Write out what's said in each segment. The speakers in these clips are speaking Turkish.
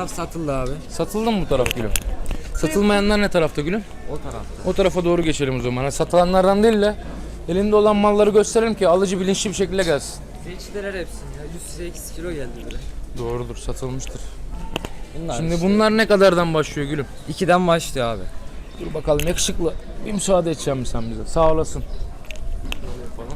taraf satıldı abi. Satıldı mı bu taraf gülüm? Satılmayanlar ne tarafta gülüm? O tarafta. O tarafa doğru geçelim o zaman. Hani satılanlardan değil de elinde olan malları gösterelim ki alıcı bilinçli bir şekilde gelsin. Seçtiler hepsini ya. 108 kilo geldi bile. Doğrudur, satılmıştır. Bunlar Şimdi işte bunlar ne kadardan başlıyor gülüm? 2'den başlıyor abi. Dur bakalım yakışıklı. Bir müsaade edeceğim mi sen bize? Sağ olasın. Böyle yapalım.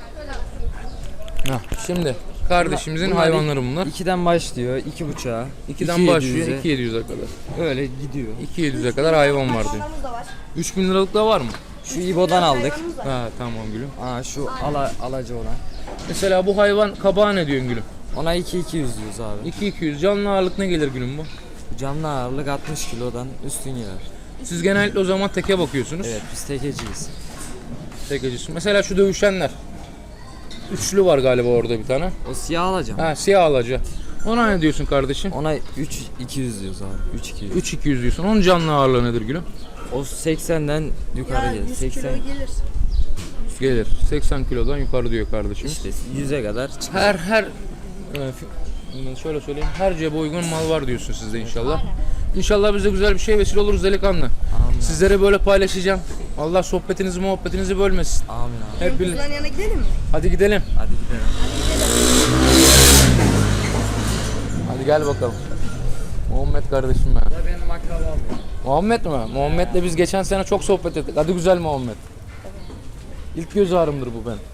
Heh, şimdi kardeşimizin Bunlar hayvanları bunlar. 2'den başlıyor. 2,5'a. 2'den başlıyor 2.700'e kadar. Öyle gidiyor. 2.700'e kadar hayvan var diyor. 3.000 liralık da var mı? Şu İbo'dan aldık. Ha tamam gülüm. Aa şu alacı olan. Mesela bu hayvan kabağa ne diyorsun gülüm? Ona 2,200 diyoruz abi. 2.200 canlı ağırlık ne gelir gülüm bu? Canlı ağırlık 60 kilodan üstün girer. Siz genellikle o zaman teke bakıyorsunuz. Evet biz tekeciyiz. Tekecisi. Mesela şu dövüşenler. Üçlü var galiba orada bir tane. O siyah alacağım. Ha siyah alaca. Ona ne diyorsun kardeşim? Ona 3,200 diyoruz abi. 3,200. 3.200 diyorsun. Onun canlı ağırlığı nedir gülüm? O 80'den yukarı gelir. 80 Gelir. 80 kilodan yukarı diyor kardeşim. işte 100'e kadar çıkar. Şöyle söyleyeyim. Her cebe uygun mal var diyorsun sizde inşallah. İnşallah biz de güzel bir şey vesile oluruz delikanlı. Amin. Sizlere böyle paylaşacağım. Allah sohbetinizi muhabbetinizi bölmesin. Amin abi. Hep birlikte. Kuzuların yanına gidelim mi? Hadi gidelim. Hadi gidelim. Hadi gel bakalım. Muhammed kardeşim ben. Da benim akrabam ya. Muhammed mi? Muhammed'le biz geçen sene çok sohbet ettik. Hadi güzel Muhammed. İlk göz ağrımdır bu ben.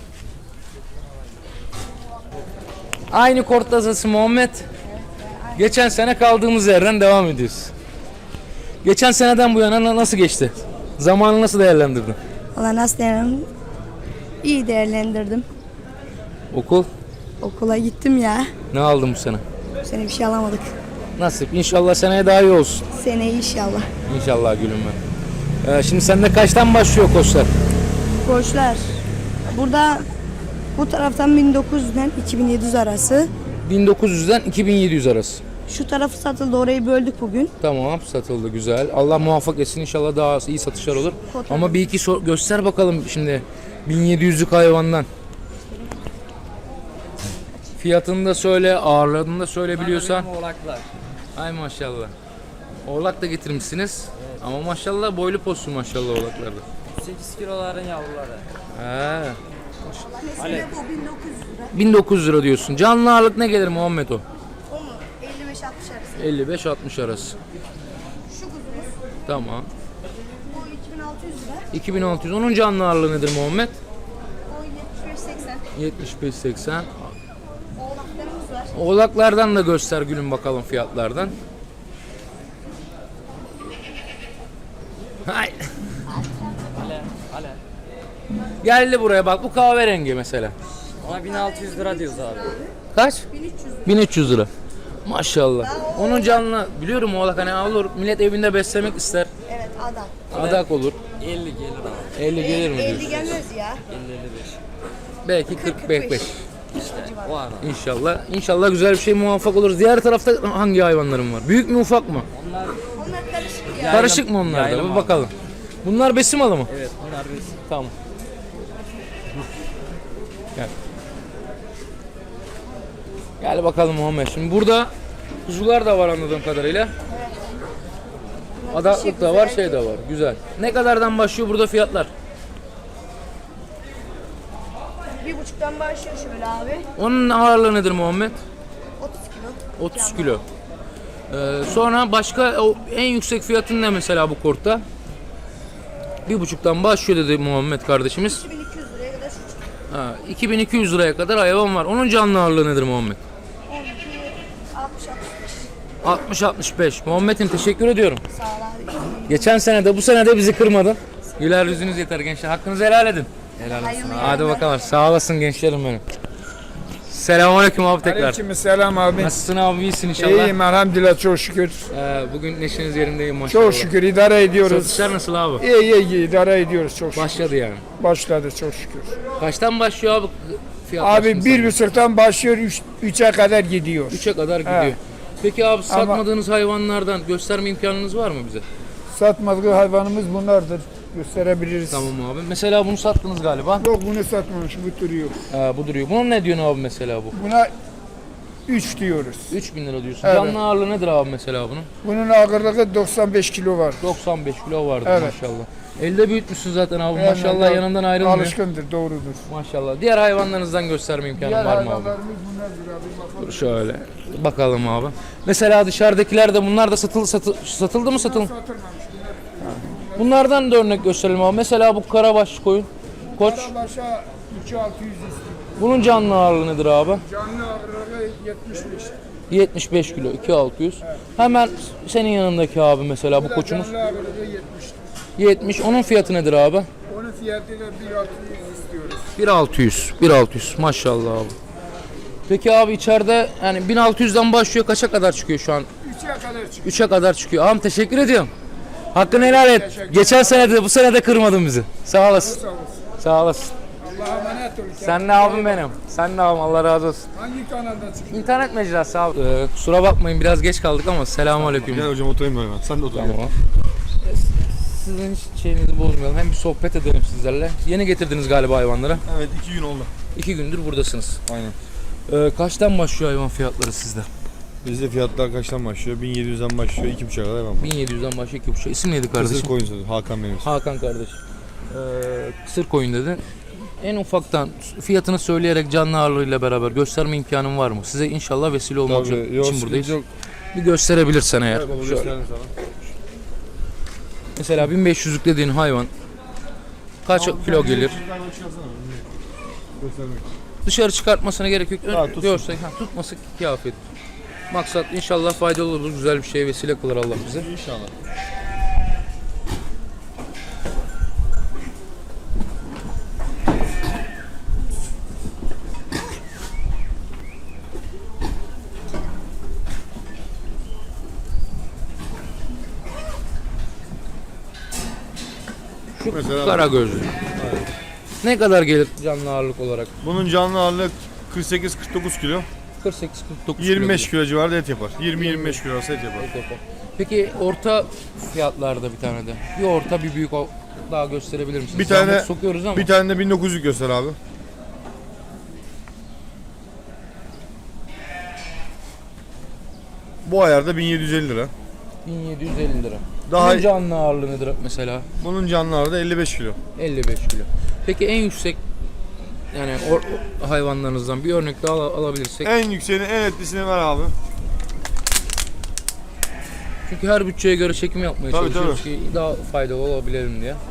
Aynı kort tazası Muhammed. Geçen sene kaldığımız yerden devam ediyoruz. Geçen seneden bu yana nasıl geçti? Zamanı nasıl değerlendirdin? Valla nasıl değerlendirdim? İyi değerlendirdim. Okul Okula gittim ya. ne aldın bu sene? Bu sene bir şey alamadık. Nasip. İnşallah seneye daha iyi olsun. Seneye inşallah. İnşallah gülüm ben. Şimdi sende kaçtan başlıyor koçlar? Koçlar. Burada bu taraftan 1900'den 2700 arası. 1900'den 2700 arası. Şu tarafı satıldı, orayı böldük bugün. Tamam, satıldı güzel. Allah muvaffak etsin, inşallah daha iyi satışlar olur. Ama bir iki göster bakalım şimdi 1700'lük hayvandan. Fiyatını da söyle, ağırlığını da söyle biliyorsan. Benim oğlaklar. Ay maşallah. Oğlak da getirmişsiniz. Evet. Ama maşallah boylu poslu maşallah oğlaklarda. 8 kiloların yavruları. He. Alev. Bu 1900 lira. 1900 lira diyorsun. Canlı ağırlık ne gelir Muhammed o? O mu? 55-60 arası. 55-60 arası. Şu kuzumuz. Tamam. Bu 2600 lira. 2600. Onun canlı ağırlığı nedir Muhammed? O 75-80. 75-80. Oğlaklarımız var. Oğlaklardan da göster gülüm bakalım fiyatlardan. Hay. Ale. Geldi buraya bak bu kahverengi mesela. Ona 1600 lira diyoruz abi. Kaç? 1300 lira. 1300 lira. Maşallah. Onun canlı biliyorum oğlak hani olur millet evinde beslemek ister. Evet adam. Adak olur. 50 gelir abi. 50 gelir mi 50 diyorsun? gelmez ya. 50-55. Belki 40-45. İşte o ara. İnşallah. İnşallah güzel bir şey muvaffak oluruz. Diğer tarafta hangi hayvanlarım var? Büyük mü ufak mı? Onlar Onlar karışık ya. Karışık mı onlar da? yaylım Bir abi. bakalım. Bunlar besim malı mı? evet bunlar biz. Tamam. Gel. Gel bakalım Muhammed. Şimdi burada kuzular da var anladığım kadarıyla. Adaklık da var, şey de var. Güzel. Ne kadardan başlıyor burada fiyatlar? 1,5'tan başlıyor şöyle abi. Onun ağırlığı nedir Muhammed? 30 kilo. 30 kilo. Sonra başka en yüksek fiyatın ne mesela bu kortta? 1,5'tan başlıyor dedi Muhammed kardeşimiz. 2200 liraya kadar şu. Ha, 2200 liraya kadar hayvan var. Onun canlı ağırlığı nedir Muhammed? 60-65. Muhammed'im teşekkür ediyorum. Sağ ol abi. Geçen sene de bu sene de bizi kırmadın. Güler yüzünüz yeter gençler. Hakkınızı helal edin. Helal olsun abi. Hadi bakalım. Sağ olasın gençlerim benim. Selamünaleyküm abi tekrar. Aleykümselam abi. Nasılsın abi? İyisin inşallah. İyiyim elhamdülillah çok şükür. Bugün neşeniz yerindeyim maşallah. Çok şükür idare ediyoruz. Satışlar nasıl abi? İyi idare ediyoruz çok şükür. Başladı yani. Başladı çok şükür. Kaçtan başlıyor abi fiyatlar? Abi 1,5'tan başlıyor 3'e kadar gidiyor. 3'e kadar gidiyor. Evet. Peki abi satmadığınız hayvanlardan gösterme imkanınız var mı bize? Satmadığı hayvanımız bunlardır. Gösterebiliriz. Tamam abi. Mesela bunu sattınız galiba. Yok bunu satmamış bu duruyor. Bu duruyor. Bunun ne diyorsun abi mesela bu? Buna 3 diyoruz. 3000 lira diyorsun. Evet. Canlı ağırlığı nedir abi mesela bunun? Bunun ağırlığı 95 kilo var. 95 kilo vardı Evet. maşallah. Elde büyütmüşsün zaten abi Evet, maşallah, evet. yanından ayrılmıyor. Alışkındır, doğrudur. Maşallah. Diğer hayvanlarınızdan gösterme imkanın Diğer var mı abi? hayvanlarımız bunlardır abi. Bakalım. Şöyle bakalım abi. Mesela dışarıdakiler de bunlar da satıldı mı satıldı? Satılmamış. Bunlardan da örnek gösterelim abi. Mesela bu karabaş koyun. Koç. Karabaşa 2600 istiyor. Bunun canlı ağırlığı nedir abi? Canlı ağırlığı 75. 75 kilo 2600. Hemen senin yanındaki abi mesela bu koçumuz. Canlı ağırlığı 70. 70. Onun fiyatı nedir abi? Onun fiyatı da 1600 istiyoruz. 1600 maşallah abi. Peki abi içeride yani 1600'den başlıyor, kaça kadar çıkıyor şu an? 3'e kadar çıkıyor. 3'e kadar çıkıyor. Ağam teşekkür ediyorum. Hakkını helal et. Geçen sene de bu sene de kırmadın bizi. Sağ olasın. Sağ olasın. Sağ olasın. Allah'a emanet olun. Sen ne abim benim. Sen ne abim, Allah razı olsun. Hangi kanalda çıkıyor? İnternet mecrası abi. Kusura bakmayın biraz geç kaldık ama selamünaleyküm. Gel hocam oturayım ben hemen. Sen de otur. Tamam. Sizin hiç şeyinizi bozmayalım. Hem bir sohbet edelim sizlerle. Yeni getirdiniz galiba hayvanlara. Evet 2 gün oldu. 2 gündür buradasınız. Aynen. Kaçtan başlıyor hayvan fiyatları sizde? Bizde fiyatlar kaçtan başlıyor? 1700'den başlıyor. 2.5'a kadar devam. 1700'den başlıyor 2.5. İsim neydi kardeşim? Kısır koyun sözü. Hakan benim. Hakan kardeşim. Kısır koyun dedi. En ufaktan fiyatını söyleyerek canlı ağırlığıyla beraber gösterme imkanın var mı? Size inşallah vesile olmak için buradayız. Yok. Bir gösterebilirsen eğer. Evet, baba Şöyle. gösterelim sana. Mesela 1500'lük dediğin hayvan kaç kilo gelir? Göstermek. Dışarı çıkartmasına gerek yok. Ha, tutsun. Diyorsak tutması kıyafet. Maksat inşallah faydalı olur, güzel bir şeye vesile kılar Allah bize. İnşallah. Şu Mesela kara gözlü. Ne kadar gelir canlı ağırlık olarak? bunun canlı ağırlığı 48-49 kilo. 48-49 25 kilo civarında et yapar. 20-25 kilo arası et yapar. kilo. Peki orta fiyatlarda bir tane de. Bir orta bir büyük daha gösterebilir misiniz? Bir tane- Zahmet sokuyoruz ama. Bir tane de 1900 göster abi. Bu ayarda 1750 lira. 1750 lira. Daha Bunun canlı ağırlığı nedir mesela? bunun canlı ağırlığı 55 kilo. 55 kilo. Peki en yüksek yani hayvanlarınızdan bir örnek daha alabilirsek. En yükseğini, en etlisini ver abi. Çünkü her bütçeye göre çekim yapmaya Tabii, çalışıyoruz ki daha faydalı olabilelim diye.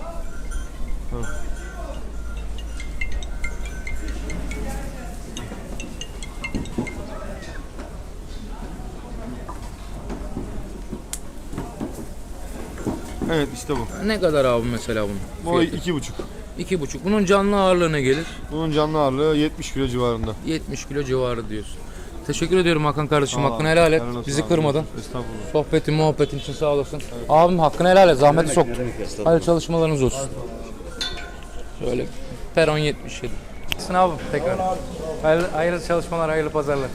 Evet işte bu. Ne kadar abi mesela bunun? Bu fiyatı? 2,5. 2,5. Bunun canlı ağırlığı ne gelir? Bunun canlı ağırlığı 70 kilo civarında. 70 kilo civarı diyorsun. Teşekkür ediyorum Hakan kardeşim. Sağ ol Hakkını abi. helal et. Helal olsun Bizi abi. kırmadın. Estağfurullah. Sohbetin, muhabbetin için sağ olasın. Abim hakkını helal et. Zahmeti soktun. Hayırlı çalışmalarınız olsun. Şöyle peron 77. Sınavım tekrar. Hayırlı çalışmalar, hayırlı pazarlar.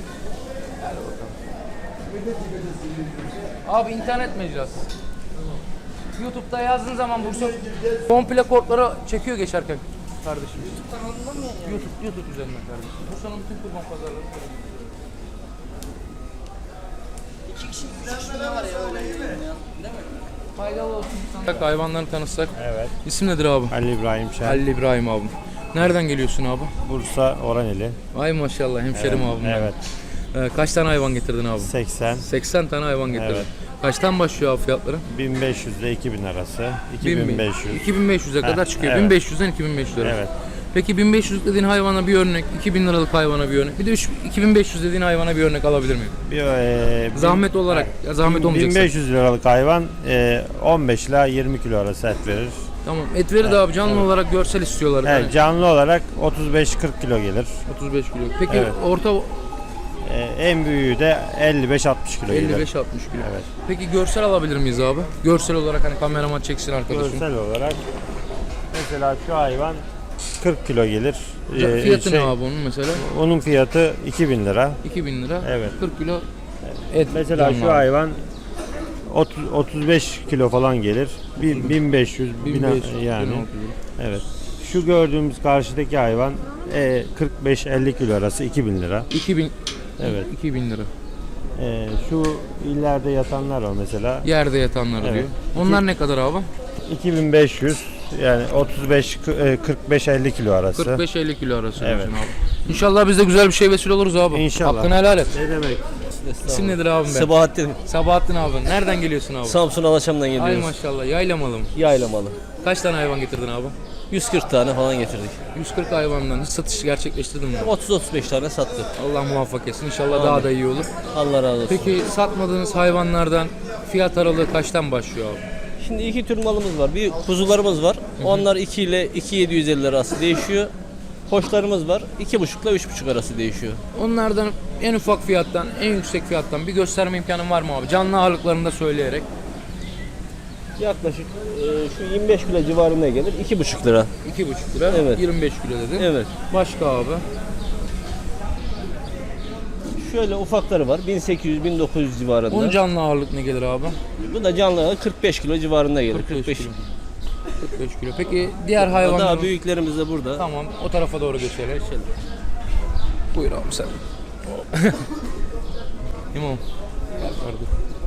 Abi internet mecrası. YouTube'da yazdığın zaman Bursa komple kortları çekiyor geçerken kardeşim. YouTube üzerinden kardeşim. Bursa'nın bütün kurban pazarları. Faydalı olsun. Hayvanlarını tanıtsak. Evet. İsim nedir abi? Ali İbrahim Şen. Halil İbrahim abim. Nereden geliyorsun abi? Bursa Oraneli. Ay maşallah hemşerim abim. benim. Evet. Kaç tane hayvan getirdin abi? 80. 80 tane hayvan getirdin. Evet. Kaçtan başlıyor abi fiyatları? 1500 ile 2000 arası. 2500. 2500'e kadar çıkıyor. evet. 1500'den 2500 lira. Evet. Peki 1500 dediğin hayvana bir örnek, 2000 liralık hayvana bir örnek. Bir de 2500 dediğin hayvana bir örnek alabilir miyim? Zahmet olarak, ya zahmet olmayacaksa. 1500 liralık hayvan 15 ile 20 kilo arası et verir. Tamam. Et verir de abi canlı olarak görsel istiyorlar. Evet, Yani canlı olarak 35-40 kilo gelir. 35 kilo. Peki Evet. orta En büyüğü de 55-60 kilo gelir. 55-60 kilo. Evet. Peki görsel alabilir miyiz abi? Görsel olarak hani kameraman çeksin arkadaşım. Görsel olarak mesela şu hayvan 40 kilo gelir. Fiyatı ne abi onun mesela? Onun fiyatı 2000 lira. 2000 lira. Evet. 40 kilo et. Mesela canlı şu abi. hayvan 35 kilo falan gelir. 1500 1500 yani. 1600. Evet. Şu gördüğümüz karşıdaki hayvan 45-50 kilo arası 2000 lira. 2000 Evet. 2000 lira. Şu ileride yatanlar var mesela. Yerde yatanları Evet. diyor. Onlar ne kadar abi? 2500 yani 45-50 kilo arası. 45-50 kilo arası Evet. diyorsun abi. İnşallah biz de güzel bir şey vesile oluruz abi. İnşallah. Hakkını helal et. Ne demek? İsim nedir abim ben? Sabahattin. Sabahattin abi. Nereden geliyorsun abi? Samsun Alaçam'dan Ay geliyoruz. maşallah. Yaylamalı mı? Yaylamalı. Kaç tane hayvan getirdin abi? 140 tane falan getirdik. 140 hayvandan hiç satış gerçekleştirdin mi? 30-35 tane sattık. Allah muvaffak etsin. İnşallah daha da iyi olur. Allah razı olsun. Peki satmadığınız hayvanlardan fiyat aralığı kaçtan başlıyor abi? Şimdi iki tür malımız var. Bir kuzularımız var. Onlar 2 ile 2.750 arası değişiyor. Koçlarımız var. 2.5 ile 3.5 arası değişiyor. Onlardan en ufak fiyattan, en yüksek fiyattan bir gösterme imkanın var mı abi? Canlı ağırlıklarını da söyleyerek. Yaklaşık şu 25 kilo civarında gelir. 2.5 lira. 2,5 lira, Evet. 25 kilo dedin. Evet. Başka abi? Şöyle ufakları var. 1800-1900 civarında. Onun canlı ağırlık ne gelir abi? Bu da canlı 45 kilo civarında gelir. 45 kilo. 45 kilo. Peki diğer hayvanların... Daha büyüklerimiz de burada. Tamam, o tarafa doğru geçelim. Buyur abi sen. İmam. Gel kardeşim.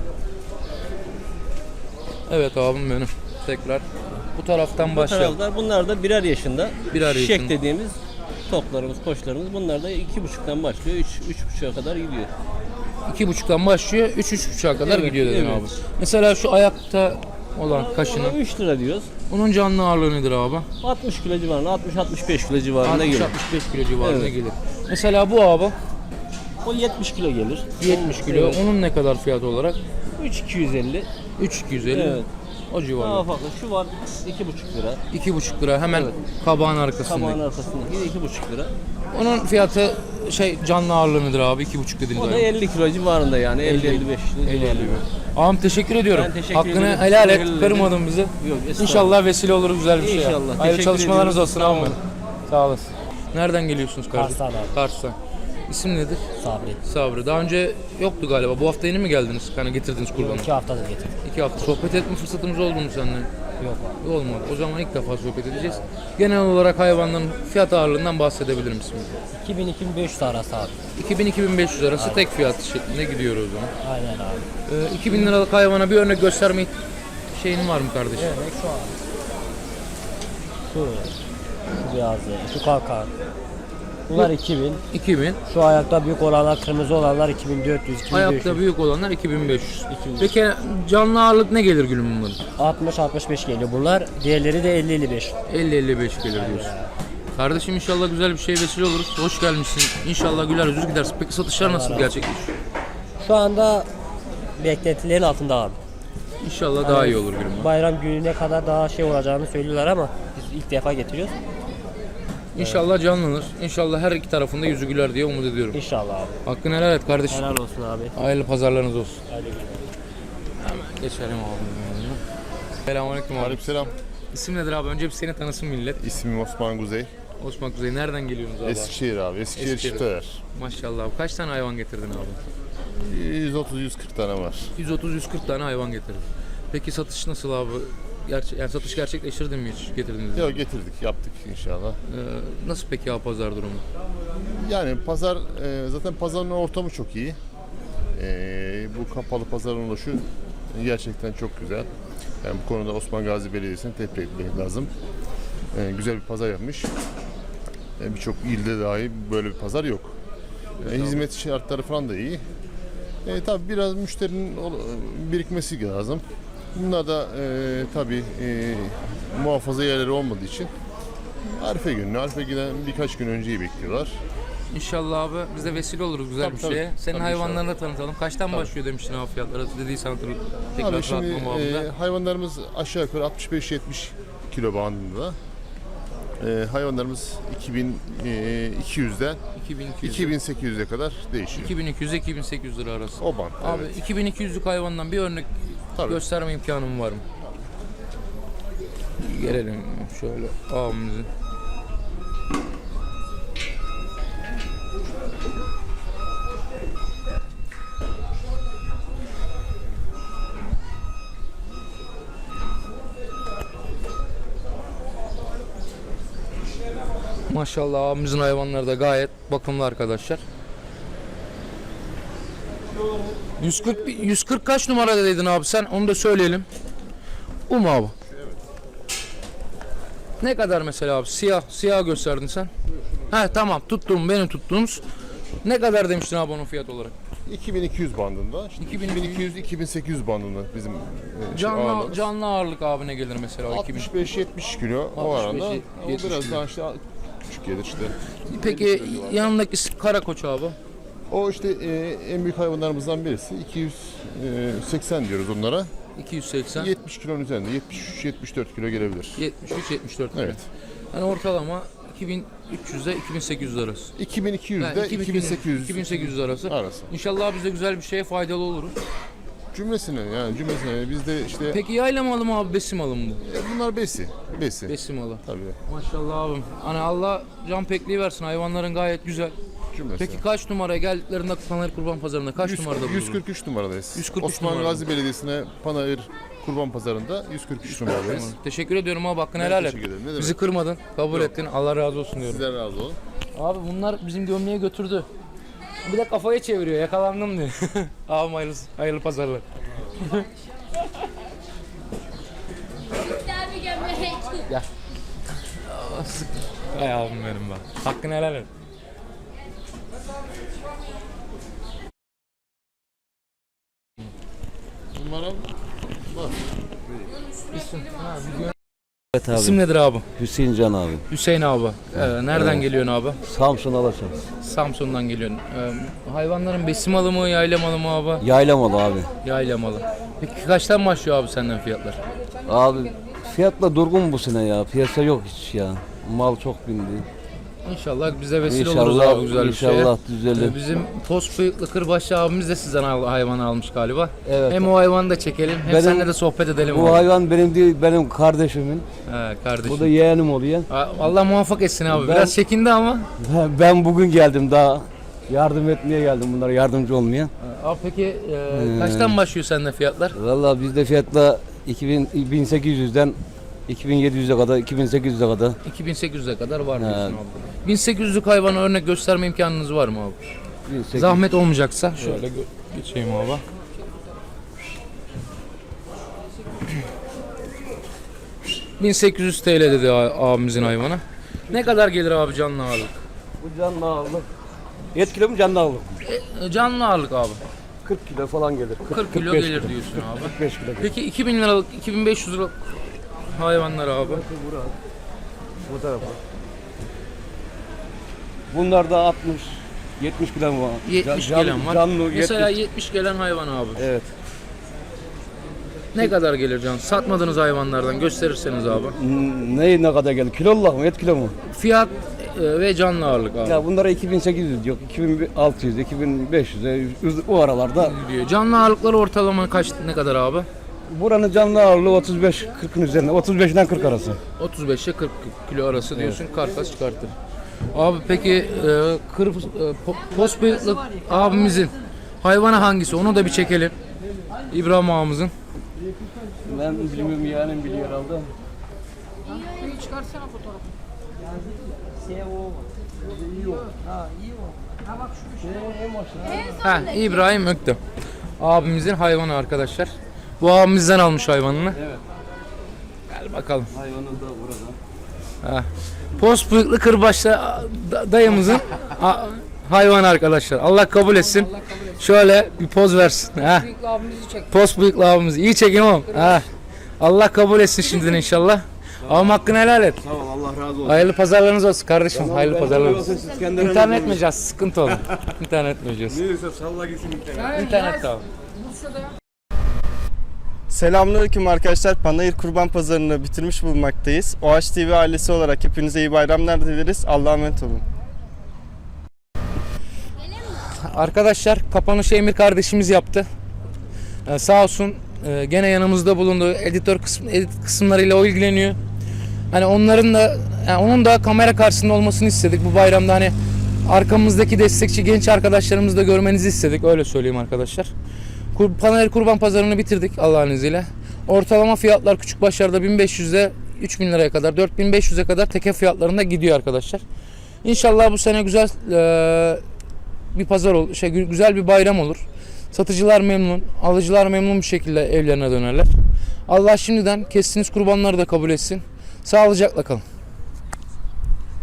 Evet abim benim. Tekrar bu taraftan başlayalım. Taraflar, bunlar da birer yaşında. Birer Şişek yaşında. dediğimiz toklarımız, koçlarımız. Bunlar da 2.5'tan başlıyor. 3.5'a kadar gidiyor. 2,5'tan başlıyor, 3-3,5'a kadar Evet, gidiyor dedin evet. abi. Mesela şu ayakta olan kaşını, Ona 3 lira diyoruz. onun canlı ağırlığı nedir abi? 60 kilo civarında, 60-65 kilo civarında gelir. 60-65 kilo civarında Evet. gelir. Mesela bu abi O 70 kilo gelir. 70 kilo. Evet. Onun ne kadar fiyat olarak? 3.250. 3,250. Evet. O Daha civarda. fazla. Şu var 2.5 lira. 2,5 lira hemen Evet. kabağın arkasında. Tabağın arkasındaki 2.5 lira. Onun fiyatı canlı ağırlığı nedir abi? 2,5 dediniz. O da abi. 50 kilo civarında yani 50-55 kilo 50 civarında. Ağam teşekkür ediyorum. Ben teşekkür Hakkını ederim. helal et. Teşekkür Kırmadın bizi. Yok, estağfurullah. İnşallah vesile olur güzel bir şey. İnşallah. Hayırlı Teşekkür çalışmalarınız ediyoruz. olsun Sağ abi. olun. Sağ olasın. Nereden geliyorsunuz kardeşim? Kars'tan abi. Kars'tan. İsim nedir? Sabri. Sabri. Daha önce yoktu galiba. Bu hafta yeni mi geldiniz? Hani getirdiniz kurbanı. 2 haftadır getirdim. 2 hafta. Sohbet etme fırsatımız oldu mu seninle? Yok abi. Olmadı. O zaman ilk defa sohbet edeceğiz. Genel olarak hayvanların fiyat ağırlığından bahsedebilir misin? 2000-2500 arası abi. 2000-2500 arası tek fiyat şeklinde gidiyor o zaman. Aynen abi. 2000 liralık hayvana bir örnek gösterme şeyin var mı kardeşim? Örnek şu abi. Şu beyazı, şu kalkan. Bunlar 2000. 2000. Şu ayakta büyük olanlar, kırmızı olanlar 2400, 2500. Ayakta büyük olanlar 2500. Peki canlı ağırlık ne gelir gülüm bunların? 60-65 geliyor bunlar. Diğerleri de 50-55. 50-55 gelir diyorsun. Kardeşim inşallah güzel bir şey vesile oluruz. Hoş gelmişsin. İnşallah güler yüzlü gidersin. Peki satışlar nasıl gerçekleşiyor? Şu anda beklentilerin altında abi. İnşallah daha iyi olur gülüm. Bayram gününe kadar daha şey olacağını söylüyorlar ama biz ilk defa getiriyoruz. İnşallah canlanır. İnşallah her iki tarafında yüzü güler diye umut ediyorum. İnşallah abi. Hakkını helal et kardeşim. Helal olsun abi. Hayırlı pazarlarınız olsun. Hayırlı günler. Hemen geçelim abi. Selamünaleyküm abi. Aleykümselam. İsim nedir abi? Önce bir seni tanısın millet. İsmim Osman Kuzey. Osman Kuzey nereden geliyorsunuz abi? Eskişehir abi. Eskişehir Eskişehir. Çifteler. Maşallah abi. Kaç tane hayvan getirdin abi? 130-140 tane var. 130-140 tane hayvan getirdin. Peki satış nasıl abi? Yani satış gerçekleştirdin mi hiç getirdiniz? Yok getirdik, yaptık inşallah. Nasıl peki abi pazar durumu? Yani pazar, zaten pazarın ortamı çok iyi. Bu kapalı pazarın oluşu gerçekten çok güzel. Yani bu konuda Osman Gazi Belediyesi'ni tebrik etmek lazım. Güzel bir pazar yapmış. Birçok ilde dahi böyle bir pazar yok. Hizmet şartları falan da iyi. Tabii biraz müşterinin birikmesi lazım. Bunlar da tabii muhafaza yerleri olmadığı için Arife günü, Arife giden birkaç gün önceyi bekliyorlar. İnşallah abi biz de vesile oluruz güzel Tabii, bir tabii. şeye. Senin Tabii, hayvanlarını da tanıtalım. Kaçtan başlıyor demiştin abi fiyatları? Dediysen hatırlıyorum. Tekrar Abi şimdi hatırlatma babamda. hayvanlarımız aşağı yukarı 65-70 kilo bandında. Hayvanlarımız 2200'den 2200. 2800'e kadar değişiyor. 2200'e 2800 lira arası. O band. Abi Evet. 2200'lük hayvandan bir örnek Tabii. gösterme imkanım var mı? Gelelim şöyle abimizi. Maşallah abimizin hayvanları da gayet bakımlı arkadaşlar. 140 kaç numarada dedin abi sen? Onu da söyleyelim. Bu mu abi? Ne kadar mesela abi? Siyah gösterdin sen. He tamam benim tuttuğumuz. Ne kadar demiştin abi onun fiyat olarak? 2200 bandında. İşte 2200-2800 bandında bizim ağırlığımız. Canlı ağırlık abi ne gelir mesela? 65-70 kilo o 65, aranda. O 70 biraz kilo. daha işte küçük gelir işte. Peki yanındaki karakoç abi? O işte en büyük hayvanlarımızdan birisi. 280 diyoruz onlara. 280. 70 kilonun üzerinde. 73-74 kilo gelebilir. 73-74 kilo. Evet. Yani ortalama 2300 ile 2800 arası. 2200 Yani ile 2800 arası. arası. İnşallah biz de güzel bir şeye faydalı oluruz. Cümlesine biz de işte Peki yayla malı mı abi, besim malı mı bu? bunlar besi. Besim malı. Tabii. Maşallah abim. Hani Allah can pekliği versin. Hayvanların gayet güzel. Cümlesine. Peki kaç numaraya geldiklerinde Panayır Kurban Pazarı'nda kaç numarada bulunur? 143 numaradayız. 143 Osman numarada. Gazi Belediyesi'ne Panayır Kurban Pazarı'nda 143 numaradayız. Teşekkür ediyorum abi, hakkını helal et. teşekkür ederim. Ne demek? Bizi kırmadın, kabul ettin. Allah razı olsun diyorum. Sizler razı olun. Abi bunlar bizim gömleği götürdü. Bir de kafayı çeviriyor, yakalandım diyor. Abi hayırlı pazarlar. Gel. Ay abim benim bak. Hakkını helal et. Numara İsim, Evet abi. İsim nedir abi? Hüseyin Can abi. Hüseyin abi. Nereden geliyorsun abi? Samsun Alaşan. Samsun'dan geliyorsun. Hayvanların besim malı mı, yayla malı mı abi? Yaylamalı abi. Yayla malı. Peki kaçtan başlıyor abi senden fiyatlar? Abi fiyatla durgun bu sene ya. Piyasa yok hiç ya. Mal çok bindi. İnşallah bize vesile oluruz abi güzel bir şeye. İnşallah düzelir. Bizim post bıyıklı kırbaçlı abimiz de sizden hayvanı almış galiba. Evet. Hem o hayvanı da çekelim hem Benim- seninle de sohbet edelim. Bu abi. hayvan benim değil, benim kardeşimin. He kardeşim. Bu da yeğenim oluyor. Allah muvaffak etsin abi. Ben- Biraz çekindi ama. Ben bugün geldim daha. Yardım etmeye geldim bunlara, yardımcı olmaya. Abi peki kaçtan başlıyor sende fiyatlar? Vallahi bizde fiyatla 1800'den 2700'e kadar, 2800'e kadar. 2800'e kadar var diyorsun He. abi. 1800'lük hayvana örnek gösterme imkanınız var mı abi? 1800. Zahmet olmayacaksa şöyle geçeyim abi. ...1800 TL dedi abimizin hayvana. Ne kadar gelir abi canlı ağırlık? Bu canlı ağırlık. 7 kilo mu canlı ağırlık? Canlı ağırlık abi. 40 kilo falan gelir. 40 kilo 45 gelir diyorsun abi. 45 kilo gelir. Peki 2000 liralık, 2500 liralık hayvanlar abi. Bu tarafa. Bunlar da 60 70 kilo var. 70 Can- gelen var. Canlı Mesela 70. 70 gelen hayvan abi. Evet. Ne kadar gelir can? Satmadığınız hayvanlardan gösterirseniz abi. Ne kadar geldi? Kiloluk mu? Et kilo mu? Fiyat ve canlı ağırlık abi. Ya bunlara 2800 yok. 2600, 2500 o aralarda. Diyor. Canlı ağırlıkları ortalama ne kadar abi? Buranın canlı ağırlığı 35-40'ın üzerinde. 35'den 40 arası. 35'e 40 kilo arası diyorsun, karkas çıkartır. Abi peki post bıyıklı abimizin hayvanı hangisi? Onu da bir çekelim. İbrahim ağamızın. Ben bilmiyorum yani biliyor herhalde. Ha, İbrahim Öktem. Abimizin hayvanı arkadaşlar. Bu abimizden almış hayvanını. Evet. Gel bakalım. Hayvanı da burada. Ha. Post bıyıklı kırbaçlı dayımızın hayvanı arkadaşlar. Allah kabul etsin. Şöyle bir poz versin. Ha. Post bıyıklı abimiz. İyi çekin oğlum. Ha. Allah kabul etsin şimdiden inşallah. Ama hakkını helal et. Tamam Allah razı olsun. Hayırlı pazarlarınız olsun kardeşim. Hayırlı pazarlarınız olsun. Siz kendilerine İnternet meyeceğiz. Sıkıntı olur. İnternet meyeceğiz. Neyse salla gitsin internet. İnternet de al. Selamünaleyküm arkadaşlar. Panayır Kurban Pazarı'nı bitirmiş bulunmaktayız. OH TV ailesi olarak hepinize iyi bayramlar dileriz. Allah'a emanet olun. Arkadaşlar kapanışı Emir kardeşimiz yaptı. Sağ olsun gene yanımızda bulundu. Edit kısımlarıyla o ilgileniyor. Hani onların da onun da kamera karşısında olmasını istedik bu bayramda, hani arkamızdaki destekçi genç arkadaşlarımızı da görmenizi istedik, öyle söyleyeyim arkadaşlar. Panayır Kurban Pazarı'nı bitirdik Allah'ın izniyle. Ortalama fiyatlar küçük başlarda 1500'de 3000 liraya kadar, 4500'e kadar teke fiyatlarında gidiyor arkadaşlar. İnşallah bu sene güzel bir pazar olur, güzel bir bayram olur. Satıcılar memnun, alıcılar memnun bir şekilde evlerine dönerler. Allah şimdiden kestiğiniz kurbanları da kabul etsin. Sağlıcakla kalın.